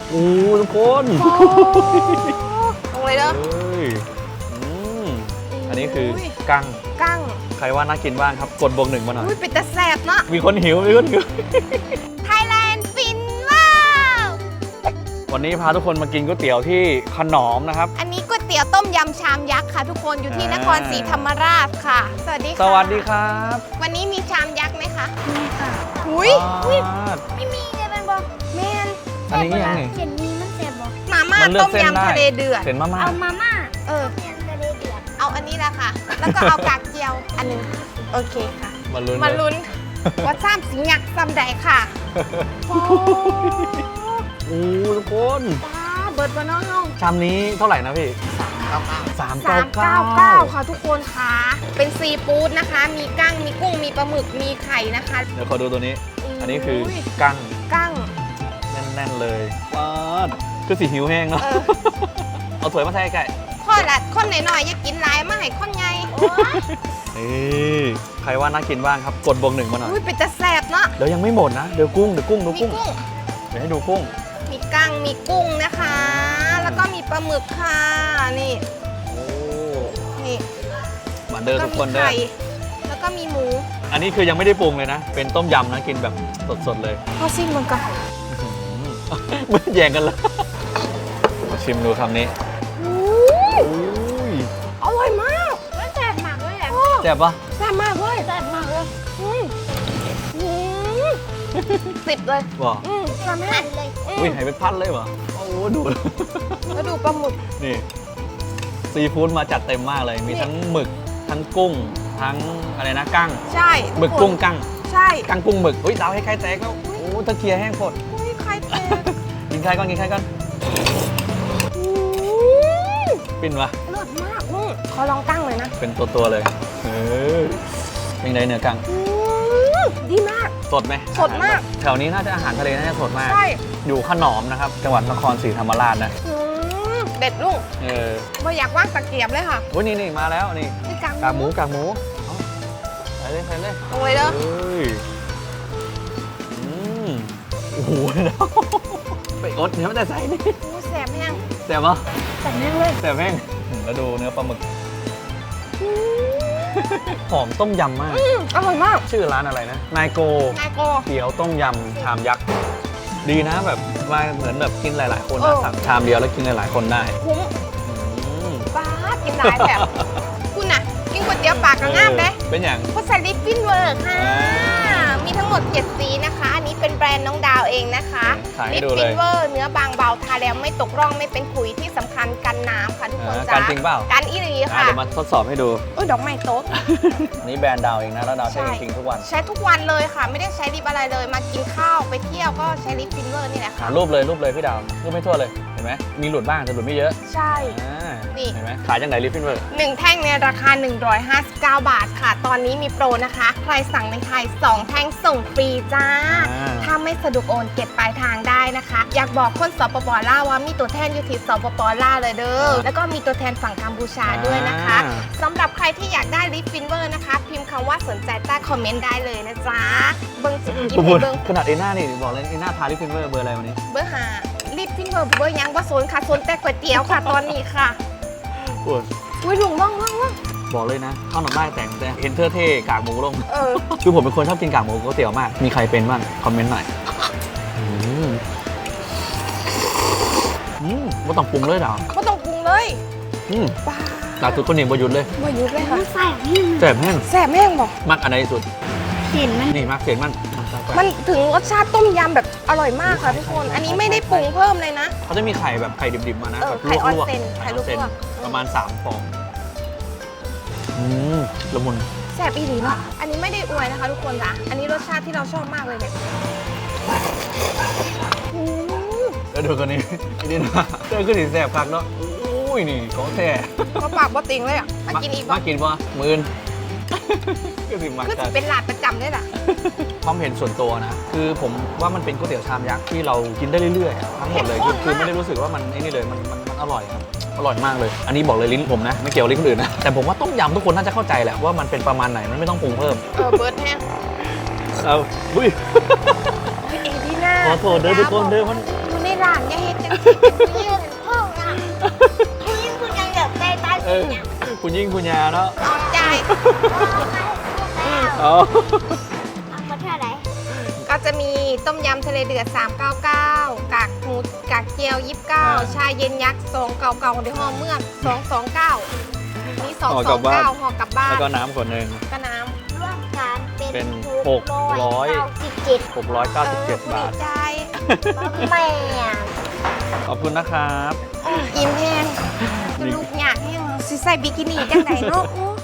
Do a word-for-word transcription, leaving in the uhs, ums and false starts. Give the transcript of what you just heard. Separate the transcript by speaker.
Speaker 1: โอ้ทุกคน
Speaker 2: ลงเลยเด้อ
Speaker 1: อันนี้คือกั้ง
Speaker 2: กั้ง
Speaker 1: ใครว่าน่ากินบ้างครับกดบวกหนึ่งมาหน่อย
Speaker 2: อุ้ยเป็นตะแสบเนาะ
Speaker 1: มีคนหิวมีคนหิว
Speaker 2: Thailand ฟินว้าว
Speaker 1: วันนี้พาทุกคนมากินก๋วยเตี๋ยวที่ขนอมนะครับ
Speaker 2: อันนี้ก๋วยเตี๋ยวต้มยำชามยักษ์ค่ะทุกคนอยู่ที่นครศรีธรรมราชค่ะสวัสดีค่ะ
Speaker 1: สวัสดีครับ
Speaker 2: วันนี้มีชามยักษ์ไหมคะ
Speaker 3: มีค่ะ
Speaker 2: อุ้ย
Speaker 3: ไม่มีเลยมันบอก
Speaker 2: แมน
Speaker 1: อันนี้ยังไง
Speaker 3: เขียนมีมันแสบบอก
Speaker 2: มาม่าต้มยำทะเลเดือด
Speaker 1: เห็นมาม่า
Speaker 3: เอามาม่า
Speaker 2: เออ
Speaker 3: ทะเลเดือด
Speaker 2: เอาอันนี้แหละค่ะแล้วก็เอากากเจียวอันนึงโอเคค่ะ
Speaker 1: มาลุ้น
Speaker 2: มาลุ้นว่าซ้ำสิงยักษ์ซ้ำใดค่ะโอ้
Speaker 1: โหทุกคน
Speaker 2: ป้าเบิร์ดบานน้อง
Speaker 1: ชามนี้เท่าไหร่นะพี่สามเก้าเก้า
Speaker 2: สามเก้าเก้าค่ะทุกคนค่ะเป็นซีฟู้ดนะคะมีกั้งมีกุ้งมีปลาหมึกมีไข่นะคะ
Speaker 1: เดี๋ยวขอดูตัวนี้อันนี้คือกั้ง
Speaker 2: กั้ง
Speaker 1: แน่นๆเลยว้าคือสีหิวแห้งเนาะเอาถ้วยมาใส่ไก่
Speaker 2: ข้อละคนหน่อยๆอย่ากินหลายมาให้คนไง
Speaker 1: นี่ใครว่าน่ากินบ้างครับกดบวกหนึ่งมาหน่อย
Speaker 2: อุ้ยเป็นตะแสบเนาะ
Speaker 1: เดี๋ยวยังไม่หมดนะเดี๋ยวกุ้งเดี๋ยวกุ้งดูกุ้งเดี๋ยวให้ดูกุ้ง
Speaker 2: มีกั้งมีกุ้งนะคะแล้วก็มีปลาหมึกค่ะนี่
Speaker 1: โอ้
Speaker 2: นี่
Speaker 1: มาเดินทุกคนเด้อ
Speaker 2: แล้วก็มีหมู
Speaker 1: อันนี้คือยังไม่ได้ปรุงเลยนะเป็นต้มยำนะกินแบบสดๆเลย
Speaker 2: พอซิมมันก่อน
Speaker 1: ไม่แย่งกันเลยมาชิมดูคำนี้
Speaker 2: อร่อยมาก
Speaker 3: มันแสบมากเลยแหละ
Speaker 1: แซ่บปะ
Speaker 2: แซ่บมากเลย
Speaker 3: แสบมากเลย
Speaker 2: สิบเลย
Speaker 1: ว้า
Speaker 2: แซ่บมาก
Speaker 3: เลย
Speaker 1: อุ้ยหายไปพันเลยวะโอ้ดู
Speaker 2: แล้วดูปลาหมึก
Speaker 1: นี่ซีฟู้ดมาจัดเต็มมากเลยมีทั้งหมึกทั้งกุ้งทั้งอะไรนะกั้ง
Speaker 2: ใช่
Speaker 1: หมึกกุ้งกั้ง
Speaker 2: ใช่
Speaker 1: กั้งกุ้งหมึกอุ้ยดาวให้ไข่แตกแล้วโอ้ตะเกียแห้งโคตร
Speaker 2: อุ้ยไข่แตก
Speaker 1: กินไข่ก่อนกินไข่ก่อนปิ้นวะ
Speaker 2: อร่อยมากนุ่มขอลองกั้งเลยนะ
Speaker 1: เป็นตัวตัวเลยเออยังไงเนื้อกั้ง
Speaker 2: ดีมาก
Speaker 1: สดไหม
Speaker 2: สดมาก
Speaker 1: แถวนี้น่าจะอาหารทะเลน่าจะสดมาก
Speaker 2: ใช่
Speaker 1: อยู่ขนอมนะครับจังหวัดนครศรีธรรมราชนะ
Speaker 2: เด็ดลูก
Speaker 1: เออ
Speaker 2: ไม่อยากว่างตะเกียบเลยค่ะ
Speaker 1: โอ้ยนี่นี่มาแล้วนี่กากหมูกากหมูใส่เลยใส่เลย
Speaker 2: ลงเลยเด้อ
Speaker 1: อืมโอ้โหไปอดเนื้อแต่ใส่นี่
Speaker 2: แสบแห้ง
Speaker 1: แสบปะ
Speaker 2: แสบแห้งเลย
Speaker 1: แสบแห้งแล้วดูเนื้อปลาหมึกหอมต้มยำมาก
Speaker 2: อร่อยมาก
Speaker 1: ชื่อร้านอะไรนะนายโก
Speaker 2: นายโก
Speaker 1: เตี๋ยวต้มยำชามยักษ์ดีนะแบบว่าเหมือนแบบกินหลายๆคนนะสั่งชามเดียวแล้วกินหลายๆคนได้
Speaker 2: คุ้มป้ากินหลายแบบคุณน่ะกินก๋วยเตี๋ยวปากกระง่ามเลย
Speaker 1: เป็นอย่าง
Speaker 2: เขาใส่ลิปปิ้นเวิร์กค่ะมีทั้งหมดเจ็ดสีนะคะอันนี้เป็นแบรนด์น้องดาวเองนะคะลิปปิ้นเวิร์กเนื้อบางเบาทาแล้วไม่ตกร่องไม่เป็นขุยที่สำคัญกันน้ำค่ะทุกคนจ้า
Speaker 1: กันจริงเปล่า
Speaker 2: กันอีหลีค่ะ
Speaker 1: เดี๋ยวมาทดสอบให้ดู
Speaker 2: อุ้ยดอกไม้โต๊ะ
Speaker 1: นี่แบรนด์ดาวเองนะแล้วดาวใช้จริงทุกวัน
Speaker 2: ใช้ทุกวันเลยค่ะไม่ได้ใช้ลิปอะไรเลยมากินข้าวไปเที่ยวก็ใช้ลิปปิ้นเวิร์กนี่แหละค่ะ
Speaker 1: รูปเลยรูปเลยพี่ดาวรูปไม่ทั่วเลยเห็นไหมมีหลุดบ้างแต่หลุดไม่เยอะ
Speaker 2: ใช่
Speaker 1: นี่เห็นไหมขายจังไหนลิปปิ้นเวิร์ก
Speaker 2: หนึ่งแท่งในราคาหนึ่งร้อยห้าสิบเก้าบาทค่ะตอนนี้มีโปรนะคะใครสั่งในไทยสองแท่งส่งฟรีจ้าถ้าไม่สะดวกโอนเก็บปลายทางได้นะคะอยากบอกคนสปป.ลาวว่ามีตัวแทนอยู่ที่สปป.ลาวเลยเด้อแล้วก็มีตัวแทนฝั่งกัมพูชาด้วยนะคะสำหรับใครที่อยากได้ลิปฟินเวอร์นะคะพิมพ์คำว่าสนใจใต้คอมเมนต์ได้เลยนะจ๊ะเบิ้งจิกินเบิ้ง
Speaker 1: ขนาดเอน่านี่บอกเลยเอน่าทาลิปฟินเวอร์เบอร์อะไรวันนี้
Speaker 2: เบอร์ห้าลิปฟินเวอร์เบอร์ยังว่าโซนค่ะโซนแต่ก๋วยเตี๋ยวค่ะตอนนี้ค่ะ
Speaker 1: ปวด
Speaker 2: อุ้ยถุงว่างว่างว่าง
Speaker 1: บอกเลยนะข้าวหน่อไม้แต่งแต่เห็นเท่เท่กากหมูลง
Speaker 2: เออ
Speaker 1: คือผมเป็นคนชอบกินกากหมูก๋วยเตี๋ยวมากมีใครเป็นบ้างคอมเมนต์หน่อยอืมอืมไม่ต้องปรุงเลยหรอ
Speaker 2: ไม่ต้องปรุงเลย
Speaker 1: อืมป้าตาสุดคนนี้บหยุดเลย
Speaker 2: บหยุดเลยค่ะ
Speaker 3: แสบแห้ง
Speaker 1: แสบแห้ง
Speaker 2: แสบแห้งบอก
Speaker 1: มักอันไหนสุด
Speaker 3: เสียนมัน
Speaker 1: นี่มักเสียนมัน
Speaker 2: มันถึงรสชาติต้มยำแบบอร่อยมากค่ะทุกคนอันนี้ไม่ได้ปรุงเพิ่มเลยนะ
Speaker 1: เขาจะมีไข่แบบไข่ดิบๆมานะแบบ
Speaker 2: ไข่ออนเซนไข่ลูกว
Speaker 1: ประมาณสามฟองอืมละมุน
Speaker 2: แซ่บอีหลีเนาะอันนี้ไม่ได้อวยนะคะทุกคนจ้ะอันนี้รสชาติที่เราชอบมากเลยเนี่ย
Speaker 1: แล้วดูคนนี้ไอ้นี่นะเจอขึ้นถึงแซ่บคักเนาะอุ้ยนี่ของแท้
Speaker 2: มาปากบ่ติงเลยอ่ะมากินอีก
Speaker 1: มากินป่ะมื่นก็สิมา
Speaker 2: คือจะเป็นหลาดประจำเลยล่ะ
Speaker 1: ความเห็นส่วนตัวนะคือผมว่ามันเป็นก๋วยเตี๋ยวชามยักษ์ที่เรากินได้เรื่อยๆทั้งหมดเลยคือไม่ได้รู้สึกว่ามันไอ้นี่เลยมันมันอร่อยครับอร่อยมากเลยอันนี้บอกเลยลิ้นผมนะไม่เกี่ยวลิ้นคนอื่นนะแต่ผมว่าต้มยำทุกคนน่าจะเข้าใจแหละว่ามันเป็นประมาณไหนมันไม่ต้องปรุงเพิ่ม
Speaker 2: เออเบิร์ดแห้ง
Speaker 1: เอาบุ้ย
Speaker 2: เอดีน่า
Speaker 1: ขอโทษเด้อทุกคนเด้อมัน
Speaker 2: ดูนี่หลานอย่าเฮ็ดจังซี่เป็นผู้หญิ
Speaker 3: เรื่
Speaker 2: ง
Speaker 3: องพ่ออะคุณยิ่งคุณยังแบบใจตาย
Speaker 1: เอ
Speaker 3: สิ
Speaker 1: อ
Speaker 3: เนี่ย
Speaker 1: คุณยิ่งคุณยาเนาะ
Speaker 2: เอาใจ
Speaker 1: อ๋อ
Speaker 3: เอามาเท่าไหร่
Speaker 2: ก็จะมีต้มยำทะเลเดือด สามเก้าเก้า กากหมูกากเจียว ยี่สิบเก้า ชาเย็นยักษ์สองเก่าๆในห้องเมืองสองสองเก้ามีสองสองเก้าห่อกลับบ้าน
Speaker 1: แล้วก็น้ำขวดหนึ่ง
Speaker 2: ก็น้
Speaker 3: ร่วมกันเป็
Speaker 1: เป็น
Speaker 3: น
Speaker 1: หกร้อย
Speaker 3: เก้าสิบเจ็ด
Speaker 1: หกร้อยเก้า
Speaker 2: ำเอ
Speaker 1: สิบ
Speaker 2: อ
Speaker 1: เจ็ด
Speaker 2: ผู้
Speaker 1: บา
Speaker 2: ดี
Speaker 1: ท
Speaker 2: ใจ
Speaker 3: แม่
Speaker 1: ขอบคุณนะครับ
Speaker 2: อิ่มแห้งจะลูกอยากให้สิใส่บิกินี่จังไหนเนาะอู้